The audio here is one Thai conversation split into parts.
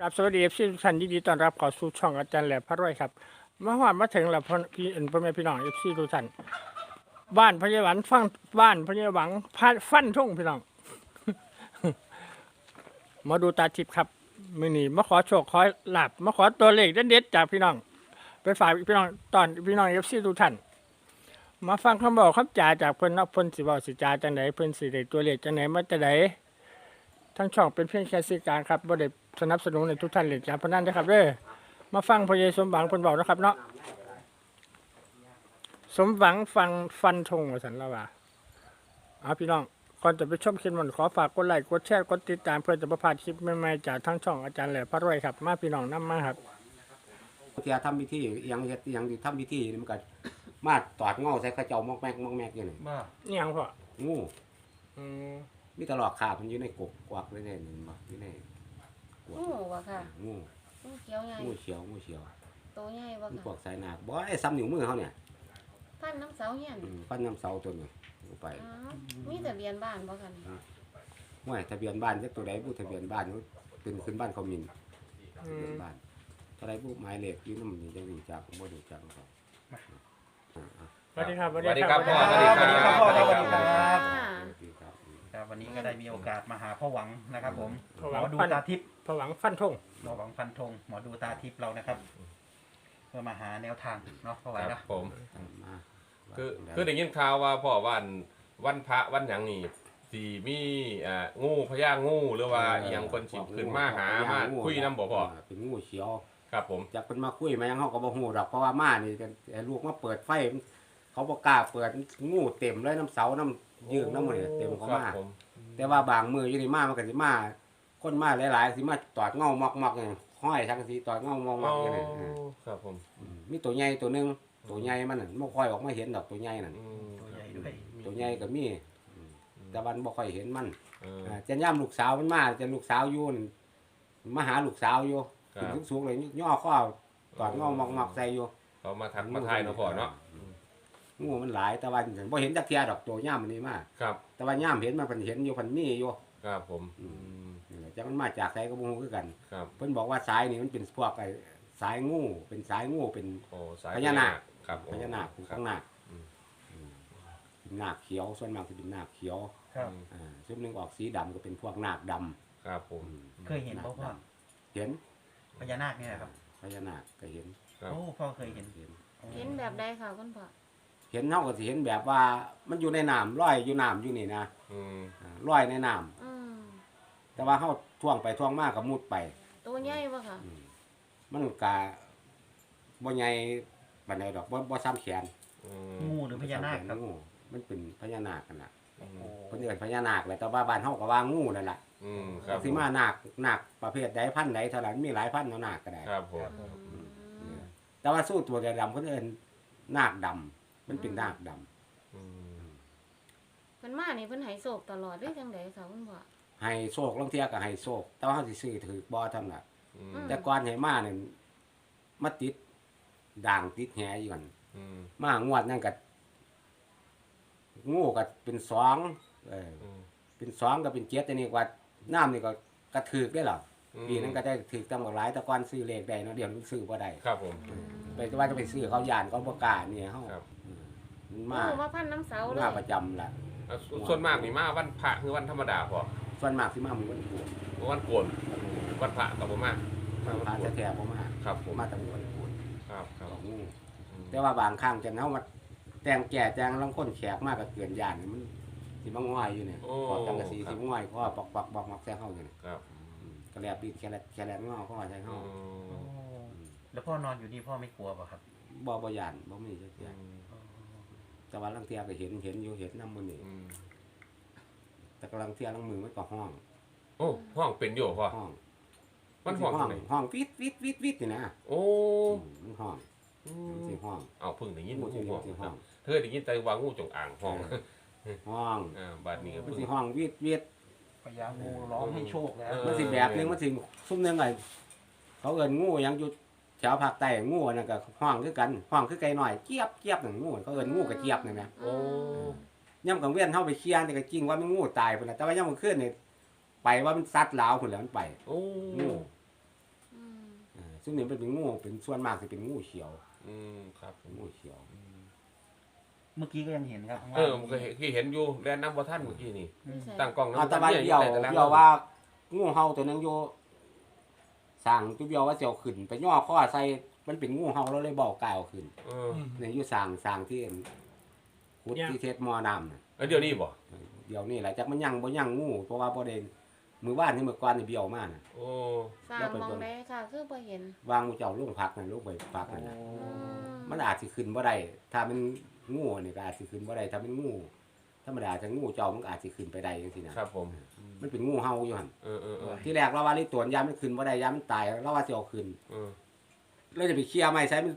ครับสวัสดีพี่ทุกท่านยินดีต้อนรับเข้าสู่ช่องอาจารย์แหลมพระรวยครับมาฮอดมาถึงแล้วพี่พ่อแม่พี่น้องเอฟซีทุกท่านบ้านพญาหวันฟังบ้านพญาหวังฟันทุ่งพี่น้อง มาดูตาทิพย์ครับมื้อนี้มาขอโชคขอลาบมาขอตัวเลขเด็ดๆจากพี่น้องไปฝากพี่น้องตอนพี่น้องเอฟซีทุกท่านมาฟังคำบอกคำจ่าจากเพิ่นเนาะเพิ่นสิบอกสิจ่าจังไดเพิ่นสิได้ตัวเลขจังไดมาจังไดทั้งช่องเป็นเพียงแค่สื่อกลางครับบ่ได้สนับสนุนในทุกท่านเล่นการพนันนะครับเด้อมาฟังพระเยซูสมหวังเพิ่นบอกนะครับเนาะสมหวังฟันธงว่าซั่นแล้วว่าเอาพี่น้องก่อนจะไปชมคลิปมันขอฝากกดไลค์กดแชร์กดติดตามเพื่อจะบ่พลาดคลิปใหม่ๆจากทั้งช่องอาจารย์แหลมพระรวยครับมาพี่น้องนำมาครับเที่ยทำพิธียังเฮ็ดยังที่ทำพิธีนี่มันก็มาตอดเงาใส่ข้าเจ้ามอกแมกอยู่นี่บ้านี่หยังพ่องูอืมมีตลอดขาบมันอยู่ในกกวักเลยเนี่ยนี่บ่อยู่ในกวกงูบ่ค่ะงูงูเขียวใหญ่งูเขียวงูเขียวโตใหญ่บ่มันพวค่ะกสายนาคบ่ไอ้ซ้ำนิ้วมือเขาเนี่ยพันน้ำเสาเฮียนฟันน้ำเสาตัวนี้เอาไปอ๋อมีทะเบียนบ้านบ่ค่ะนี่ห้วยทะเบียนบ้านจักตัวใดผู้ทะเบียนบ้านเขาเป็นขึ้นบ้านเขามินทะอืเบียมนบ้านเท่าไรผู้หมายเลขอยู่นำนี่จังรู้จักบ่รู้จักเขาสวัสดีครับสวัสดีครับพ่อสวัสดีครับพ่อสวัสดีครับค่ะครับวันนี้ก็ได้มีโอกาสมาหาพ่อหวังนะครับผมพ่อหหมวังอดูฟันตาทิพย์พ่อหวังฟันธงหมอหวังฟันธงหมอดูตาทิพย์เรานะครับ เพื่อมาหาแนวทางเนาะพ่อไหวคเนาะรับผมมาคือได้ยินข่าวว่าพ่อวันพระวันหยังนี่สีมีงูพญางูหรือว่าอหยังคนสิขึ้นมาหามาคุยนำบ่พ่อเป็นงูเขียวครับผมจากเพิ่นมาคุยมายังเฮาก็บ่ฮู้ดอกเพราะว่ามานี่กันไอ้ลูกมาเปิดไฟเขาบ่กล้าเปิดงูเต็มเลยน้ำเสาน้ำยืงน้ำมันเต็มเขาครับมาผมแต่ว่าบางมืออยู่นี่มามันก็สิมาคนมาหลายๆสิมาตอดเงามอกๆนี่ห้อยทั้งสิตอดเงามอกๆอยู่นี่ครับผมมีตัวใหญ่ตัวหนึงตัวใหญ่มันน่ะบ่ค่อยออกมาเห็นดอกตัวใหญ่นั่นตัวใหญ่ด้วยตัวใหญ่ก็มีแต่วันบ่ค่อยเห็นมันเออจะย่ำลูกสาวมันมาจะลูกสาวอยู่นั่นมาหาลูกสาวอยู่ครับขึ้นสูงๆเลยย่อข้อตอดเงามอกๆใส่อยู่เขามาทักมาทายเนาะพ่อเนาะงูมันหลายแต่ว่าบ่เห็นจักเที่ยดอกตัวย่ามมันนี่มาครับแต่ว่าย่ามเห็นมันเพิ่นเห็นอยู่เพิ่นมีอยู่ครับผมนี่แหละจักมันมาจากไสก็บ่ฮู้คือกันครับเพิ่นบอกว่าสายนี่มันเป็นพวกไอ้สายงูเป็นสายงูเป็นโอ้สายพญานาคครับพญานาคเป็นครัข้าบงนาคอืมเป็นนาคเขียวส่วนมากสิเป็นนาคเขียวครับส่วนหนึงออกสีดำก็เป็นพวกนาคดำครับผมเคยเห็นพ่อพ่อเห็นพญานาคเนี่ยนะครับพญานาคก็เห็นครับโอ้พ่อเคยเห็นเห็นเห็นแบบใดค่ะคุณพ่อเห็นเฮาก็สิเห็นแบบว่ามันอยู่ในน้ำลอยอยู่น้ำอยู่นี่นะอืมลอยในน้ำอืมแต่ว่าเฮาท่วงไปท่วงมาก็มุดไปโตใหญ่บ่ค่ะมันก็บ่ใหญ่ปานใดดอกบ่ซ้ำแขนอืมงูหรือพญานาคครับงูมันเป็นพญานาคกันน่ะโอ้โหเพิ่นเอิ้นพญานาคแหละแต่ว่าบ้านเฮาก็ว่างูนั่นล่ะอืมครับสิมานาคประเภทใดพันธุ์ใดเท่านั้นมีหลายพันธุ์เนาะนาคก็ได้ครับผมอืมแต่ว่าสู้ตัวดำเพิ่นเอิ้นนาคดำมันเป็นนาคดำอืมเพิ่นมานี่เพิ่นให้โศกตลอดหรือจังไดค่ะคุณพ่อให้โชคลางเที่ยก็ให้โชคแต่ว่าเฮาสิซื้อถือบ่เท่านั้นล่ะอืมแต่ก่อนให้มานี่มาติดด่างติดแหอยู่กันอืมมางวดนั่นก็งูก็เป็น2 อืมเป็น2ก็เป็น7อันนี้ว่าน้ำนี่ก็กระถึกได้หรอปีนั้นก็ได้ถึกตำบักหลายแต่ก่อนซื้อเลขได้เนาะเดี๋ยวนี้ซื้อบ่ได้ครับผมไปว่าจะไปซื้อเขาย่านเขาบ่กล้าเนี่ยเฮาครับมันงูมามาพันน้ำเสาเลยมาประจำล่ะส่วนมากนี่มาวันพระคือวันธรรมดาพอส่วนมากสิมามื้อวันพุธวันโกนวันพระกับผมมามาพาแท้ๆบ่มาครับผมมาแต่มื้อวันพุธครับครับของงูอืมแต่ว่าบางครั้งจังเฮามาแต่งแก่แต่งลังคนแขกมากก็เกินย่านนี่มันสิมาง่อยอยู่เนี่ยพอจังกะสีสิง่อยก็ปอกๆบอกๆใส่เฮาอยู่นี่ครับก็แลบดินแค่แลบงอก็ใส่เฮาอืโอ้มแล้วพ่อนอนอยู่นี่พ่อไม่กลัวป่ะครับบ่ย่านบ่มีจักอย่างแต่ว่าลังเที่ยก็เห็นอยู่เห็นนำมื้อนี้อืมแต่กำลังเที่ยลังมือมันก็ห้องโอ้ห้องเป็นอยู่พ่อห้องมันห้องห้องไหนห้องวิดนี่นะโอ้มันห้องอืมันมสิห้องเอาเพึ่งได้ยินงูงูสิห้องสิคห้รัอบ งเธอได้ยินแต่ว่างูจงอ่างห้องห้องบาดนี้ก็มันเพิ่งสิห้องวิดพญางูร้องให้โชคแล้วมันสิแบบนึงมันสิซุ่มนึงไงเขาเอิ้นงูหยังอยู่แถวภาคใต้งูนั่นก็ห้องคือกันห้องคือไก่น้อยเจี๊ยบนั่นงูเขาเอิ้นงูกระเจี๊ยบนั่นแหละโอ้ย่ำกลางเว้นเฮาไปเคลียร์นี่ก็จริงว่ามันงูตายพุ่นน่ะแต่ว่าย่ำกลางคืนนี่ไปว่ามันซัดลาวพุ่นแหล้วมันไปโอ้งูซึ่งนี่เป็นงูเป็นส่วนมากจะเป็นงูเขียวครับงูเขียวเมื่อกี้ก็ยังเห็นครับข้างเอล่างอมันก็เห็นอยู่แลนน้ำบ่ท่านเมื่อกี้นี่อืมตั้งกล้องเอาน้ำแตะวันอยู่เดียวใตารางเดียวว่างูเห่าตัวนึงอยู่สั่งจุเดียวว่าเสียวขึ้นไปย่อข้อใส่มันเป็นงูเห่าแล้วเลยบอกกายเอาขึ้นเออเนี่ยอยู่สั่งที่ขุดที่เทศมอน้ำน่ะเดี๋ยวนี้บ่เดี๋ยวนี้แหละจักมันยังบ่ยังงูเพราะว่าบ่ได้มือว่านที่เมื่อก่อนนี่เบี้ยวมากน่ะโอ้สร้างมองได้ค่ะ คือบ่เห็นวางเจ้าลุงพักนั่นลุงไปพักนั่นน่ะอืมมันอาจสิขึ้นบ่ได้ถ้ามันงูนี่ก็อาจสิขึ้นบ่ได้ถ้ามันงูธรรมดาถ้างูเจ้ามันก็อาจสิขึ้นไปได้จังซี่นะครับผมมันเป็นงูเห่าอยู่หั่นเออที่แรกเราว่าลิตัวยามมันขึ้นบ่ได้ยามมันตายเราว่าสิเอาขึ้นเออแล้วจะไปเคลียร์ไม้ใส่มัน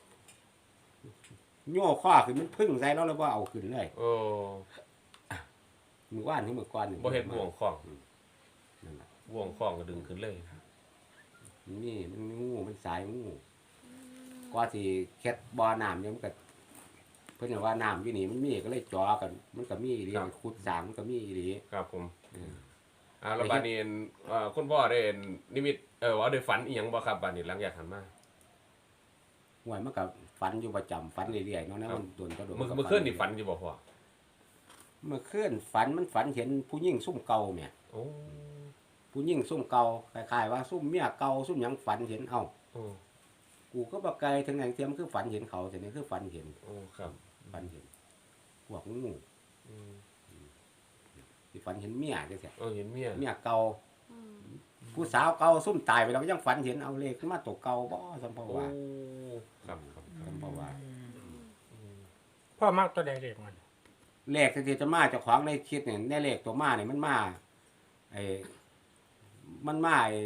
โย่ข้อขึ้นมันพึ่งใส่แล้วแล้วบ่เอาขึ้นเลยโอ้มือว่านที่มือก่อนนี่บ่เห็นบ่วงของนั่นล่ะบ่วงของก็ดึงขึ้นเลยมันงูมันสายงูกว่าสิเค็ดบ่อน้ำเนี่ยมันก็เพิ่นว่าน้ำอยู่นี่มันมีก็เลยจ่อกัน มันก็มีอีหลีขุดสร้างมันก็มีอีหลีครับผมเออแล้วบัดนี้คุณพ่อได้นิมิตว่าได้ฝันอีหยังบ่ครับบัดนี้หลังจากหันมาห่วยมันก็ฝันอยู่ประจำฝันเรื่อยๆเนาะนะครับมันโดนก็โดนเมื่อคืนนี่ฝันอยู่บ่พ่อเมื่อคืนฝันมันฝันเห็นผู้หญิงซุ่มเก่าแหม่โอ้ผู้หญิงซุ่มเก่าคล้ายๆว่าซุ่มเมียเก่าซุ่มหยังฝันเห็นเอ้าโอ้กูก็บ่ไกลถึงไหนเทียมคือฝันเห็นเขาแต่นี่คือฝันเห็นโอ้ครับฝันเห็นพวกงูอืมที่ฝันเห็นเมียจังซี่เห็นเมียเมียเก่าอืมผู้สาวเก่าซุ่มตายไปแล้วก็ยังฝันเห็นเอาเลขขึ้นมาตัวเก่าบ่สัมภาโอ้ว่าครับสัมภาว่าพ่อมักตัวใดเด็กมันเลขที่จะมาเจ้าของในคิดเนี่ยในเลขตัวมาเนี่ยมันมาไอ้มันมาไอ้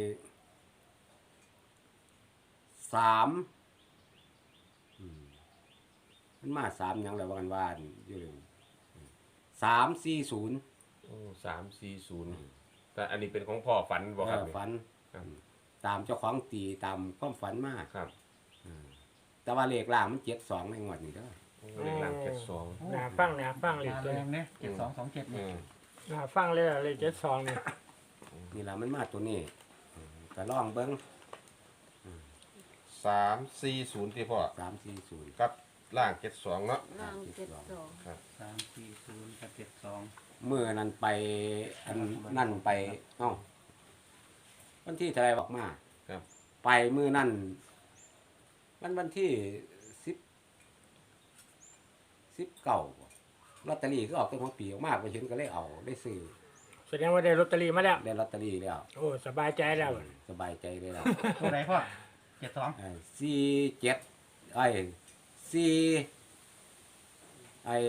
3มันมา3หยังแล้วว่ากันว่าอยู่เลย340 โอ้340แต่อันนี้เป็นของพ่อฝันบ่ครับฝันครับตามเจ้าของตีตามความฝันมาครับแต่ว่าเลขล่างมัน72ในงวดนี้เด้อเลขหลัง72 น่าฟังเลขมาตัวแรนี้งเนี่ย7227 เอเนี่ยอน่าฟังเลยเลข72นี่นี่ล่ะมันมาตัวนี้ก็ลองเบิ่ง 340ที่พ่อ 340 กับล่าง72เนาะล่าง72 340กับ72 เมื่อนั้นไปอันนั่นไปเอ้าวันที่เท่าไหรบอกมาครับไปมื้อนั่นวันที่19ลอตเตอรี่ก็ออกตั้งของปีออกมาไปเห็นก็เลยเอาได้ซื้อแสดงว่าได้ลอตเตอรี่มาแล้วได้ลอตเตอรี่แล้วโอ้สบายใจแล้วสบายใจเลยแล้วตัวไหนพ่อ72 47ไอ้4ไอ้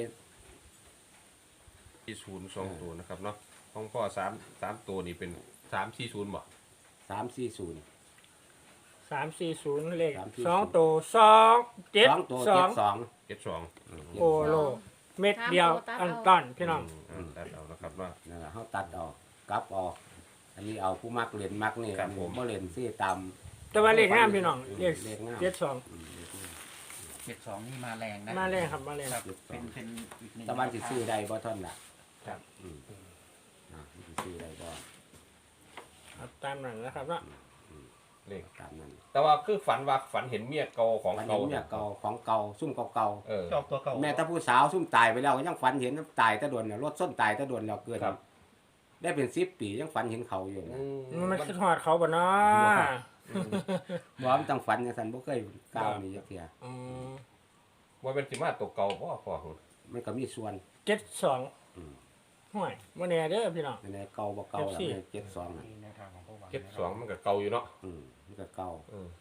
40 2ตัวนะครับเนาะของพ่อ3ตัวนี่เป็น340บ่ 340 340เลข 340 2ตัว 2ตัว 272 72 โอ้โลเม็ดเดียวอันต้อนพี่น้องตัดเอานะครับว่านั่นแหละเขาตัดออกกลับออก อันนี้เอาผู้มักเรียนมักนี่ครับผมบ่เรียนซี่ตามแต่ว่าเลขงามพี่น้องเลขเลขงาม 72นี่มาแรงนะ 72มาแรงครับมาแรงครับเป็นอีกหนึ่งตะวันสิซื้อได้บ่ท่านล่ะครับสิซื้อได้บ่ครับตามนั้นนะครับเนาะเลขตามนั้นแต่ว่าคือฝันเห็นเมียเก่าของฝันเก่าเห็นเมียเก่าของเก่าซุ่มเก่าเออชอบตัวเก่าๆแม่ตาผู้สาวซุ่มตายไปแล้วก็ยังฝันเห็นตายแตะโดนน่ะรถส้นตายแตะโดนแล้วเกินครับได้เป็น10ปียังฝันเห็นเขาอยู่นะมันคือทอดเขาบ่เนาะบ่มันต้องฝันจังซั่นบ่เคยก้าวนี่จักเที่ยอืมว่าเป็นสิมาตัวเก่าพ่อมันก็มีส่วน 72 อืมห่วยบ่แน่เด้อพี่น้องอันนี้เก่าบ่เก่าล่ะ 74 แม่72น่ะนี่แนวทางของพ่อหวาน 72มันก็เก่าอยู่เนาะมันก็เก่า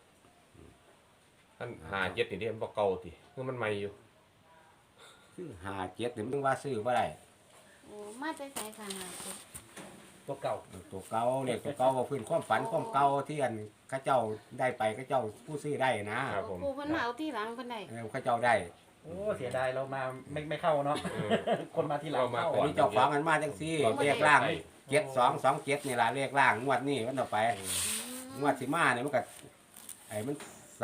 ท่าน57นี่เด้มันบ่เก่าติคือมันใหม่อยู่คือ57นี่มันว่าซื้อบ่ได้โอ้มาใจใส่ค่ะหาเจ็ดตัวเก่าตัวเก่าเลขตัวเก่าว่าพื้นความฝันความเก่าที่อันเข้าเจ้าได้ไปเข้าเจ้าผู้ซื้อได้นะครับผมครูเพิ่นมาเอาที่หลังเพิ่นได้เข้าเจ้าได้โอ้เสียดายเรามาไม่เข้าเนาะเออคนมาทีหลังเรามาเข้าก่อันนี้เจ้าของกันมาจังซี่เลขล่างไป 7227นี่ล่ะเลขล่างงวดนี้มันต่อไปงวดสิมาเนี่ยมันก็ไอ้มัน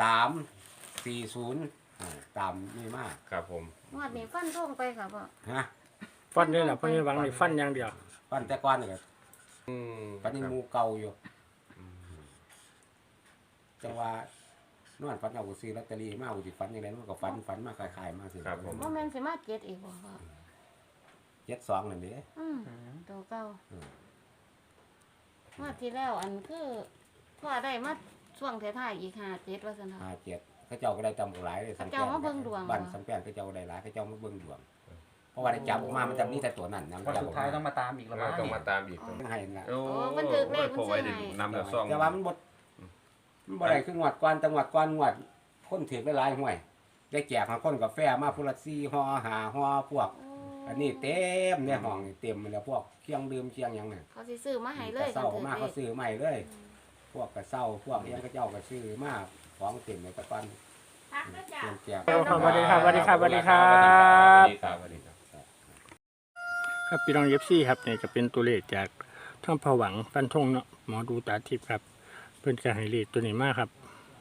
340ตามนี่มาครับผมงวดนี้ฟันธงไปค่ะพ่อฮะฟันนี่แหละเพิ่นหวังนี่ฟันอย่างเดียวฟันแต่ก่อนนี่ก็อืมฟันนี่งูเก่าอยู่จังว่านอนฝันเอาก็ซื้อลอตเตอรี่มาเอาสิฝันยังไงมันก็ฝันมาคล้ายๆมาสิครับผมบ่แม่นสิมาเก็ดอีกบ่พ่อ 72นั่นเด้ตัวเก่าอืมมาที่แล้วอันคือพ่อได้มาช่วงท้ายๆอีก57ว่าซั่นเนาะ 57เขาเจ้าก็ได้จำหลายเลยเขาเจ้ามาเบิ่งดวงเหรอบ้านสังแปนเขาเจ้าได้หลายเขาเจ้ามาเบิ่งดวงเพราะว่าได้จับออกมามันจะมีแต่ตัวนั้นนะวันสุดท้ายต้องมาตามอีกแล้วเรามั้งต้องมาตามอีกต้องให้นะโอ้มันถึกเลขมันพอไว้ได้ซื้อให้นำแล้วซองแต่ว่ามันบ่ได้คืองวดก่อนจังหวัดก่อนงวดคนถือหลายๆห้วยได้แจกหาคนกาแฟมาพุ่นละ4ห่อ5ห่อพวก อันนี้เต็มในห้องนี่เต็มแล้วพวกเครื่องดื่มเคียงหยังน่ะเขาสิซื้อมาให้เลยกระเซ้ามากัเขาซื้อใหม่เลย พวกกระเซ้าพวกเลี้ยงกระเจ้าก็ซื้อมาของเต็มเลยตะปันเต็มแจกสวัสดีครับสวัสดีครับสวัสดีครับสวัสดีครับสวัสดีครับครับพี่น้องเอฟซีครับนี่จะเป็นตัวเลขจากท่องผวังฟันธงเนาะหมอดูตาทิพย์ครับเพิ่นจะให้เลขตัวนี้มากครับ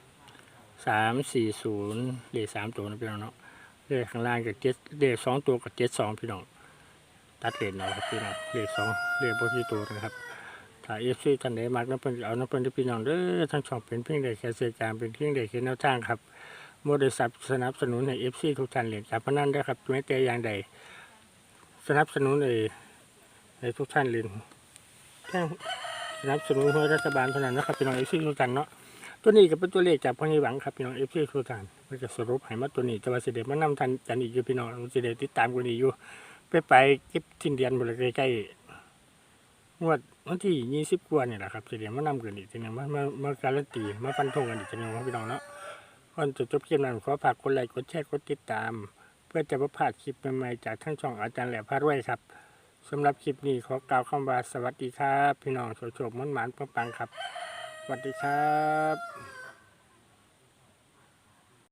340เลข3ตัวนะพี่น้องเนาะเลขข้างล่างกับ7เลข2ตัวกับ72พี่น้องตัดเลขหน่อยครับพี่น้องเลข2เลขบ่กี่ตัวนะครับถ้าเอฟซีท่านใดมักน้ำเพิ่นก็เอาน้ำเพิ่นที่พี่น้องเด้อทั้งช่องเป็นเพียงใดแค่เสียการเป็นเพียงใดแค่แนวทางครับบ่ได้สนับสนุนให้เอฟซีทุกท่านเล่นการพนันเด้อครับแม้แต่อย่างใดสนับสนุนให้ทุกท่านเล่นแค่สนับสนุนให้รัฐบาลเท่านั้นนะครับพี่น้องเอฟซีทุกท่านเนาะตัวนี้ก็เป็นตัวเลขจากพ่อใหญ่หวังครับพี่น้องเอฟซีทุกท่านมันจะสรุปให้มาตัวนี้แต่ว่าสิเดมานำทันกันอีกอยู่พี่น้องสิเดติดตามกันอีกอยู่ไปเก็บทิ้นเดือนบ่เลยใกล้ๆงวดวันที่20กว่านี่แหละครับสิเดมานำกันอีกทีนึงมาการันตีมาฟันธงกันอีกทีนึงครับพี่น้องเนาะก่อนจะจบคลิปนั้นขอฝากกดไลค์กดแชร์กดติดตาม เพื่อจะไม่พลาดคลิปใหม่ๆจากทั้งช่องอาจารย์แหล่พารวยครับสำหรับคลิปนี้ขอกล่าวคำว่าสวัสดีครับ พี่น้องโชคๆมั่นหมานปังๆครับสวัสดีครับ